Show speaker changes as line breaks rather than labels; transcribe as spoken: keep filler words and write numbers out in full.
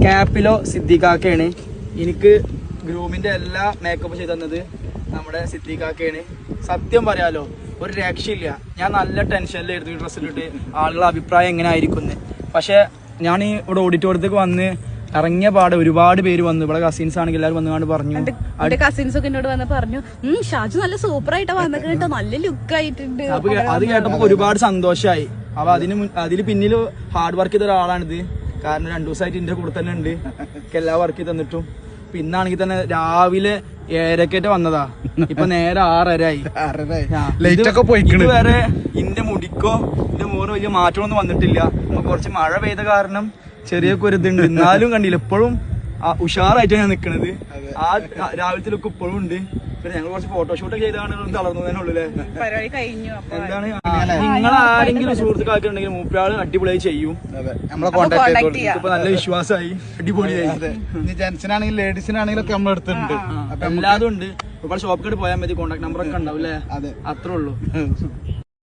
ക്യാപ്പിലോ സിദ്ദീഖാക്കയാണ്. എനിക്ക് ഗ്രൂമിന്റെ എല്ലാ മേക്കപ്പ് ചെയ്ത് തന്നത് നമ്മുടെ സിദ്ദീഖാക്കയാണ്. സത്യം പറയാലോ ഒരു രക്ഷയില്ല. ഞാൻ നല്ല ടെൻഷനിലായിരുന്നു ഈ ഡ്രസ്സിലിട്ട് ആളുകളുടെ അഭിപ്രായം എങ്ങനെ ആയിരിക്കും. പക്ഷെ ഞാൻ ഈ ഇവിടെ ഓഡിറ്റോറിയത്തേക്ക് വന്ന് ഇറങ്ങിയ പാടെ ഒരുപാട് പേര് വന്നു. ഇവിടെ കസിൻസ് ആണെങ്കിൽ എല്ലാവരും വന്നുകൊണ്ട് പറഞ്ഞു,
കസിൻസ് ഒക്കെ എന്നോട് വന്ന് പറഞ്ഞു ഷാജു നല്ല സൂപ്പർ ആയിട്ട് വന്നിട്ട് കേട്ടോ, നല്ല ലുക്ക് ആയിട്ടുണ്ട്.
അപ്പൊ അത് കേട്ടപ്പോ ഒരുപാട് സന്തോഷമായി. അപ്പൊ അതിന് അതിന് പിന്നിൽ ഹാർഡ് വർക്ക് ചെയ്ത ഒരാളാണിത്. കാരണം രണ്ടു ദിവസമായിട്ട് എന്റെ കൂടെ തന്നെ ഉണ്ട് എല്ലാ വർക്ക് ചെയ്ത് തന്നിട്ടും. പിന്നാണെങ്കിൽ തന്നെ രാവിലെ ഏഴരക്കേറ്റ് വന്നതാ, ഇപ്പൊ നേരെ ആറരായി. ഇതുവരെ ഇന്റെ മുടിക്കോ എന്റെ മോറ് വലിയ മാറ്റമൊന്നും വന്നിട്ടില്ല. അപ്പൊ കുറച്ച് മഴ പെയ്ത കാരണം ചെറിയൊക്കെ ഒരു ഇതുണ്ട്. എന്നാലും കണ്ടില്ല ഇപ്പോഴും ഉഷാറായിട്ടാണ് ഞാൻ നിക്കണത്. ആ രാവിലത്തെ ലുക്ക് ഇപ്പോഴും ഉണ്ട്. പിന്നെ ഞങ്ങൾ കുറച്ച് ഫോട്ടോഷൂട്ടൊക്കെ ചെയ്താണ് തളർന്നതിനുള്ളിലെ. എന്താണ് നിങ്ങൾ ആരെങ്കിലും സുഹൃത്തുക്കളൊക്കെ ഉണ്ടെങ്കിൽ മൂപ്പരാള് അടിപൊളിയായി ചെയ്യും.
നമ്മളെ കോൺടാക്ട് ചെയ്തു.
ഇപ്പൊ നല്ല വിശ്വാസമായി, അടിപൊളിയായി.
ജെന്റ്സിനാണെങ്കിലും ലേഡീസിനാണെങ്കിലും ഒക്കെ നമ്മൾ എടുത്തിട്ടുണ്ട്.
എല്ലാതും ഉണ്ട്. ഇപ്പോൾ ഷോപ്പിൽ പോയാൽ മതി, കോൺടാക്ട് നമ്പർ ഒക്കെ ഉണ്ടാവും അല്ലേ? അതെ, അത്രേ ഉള്ളൂ.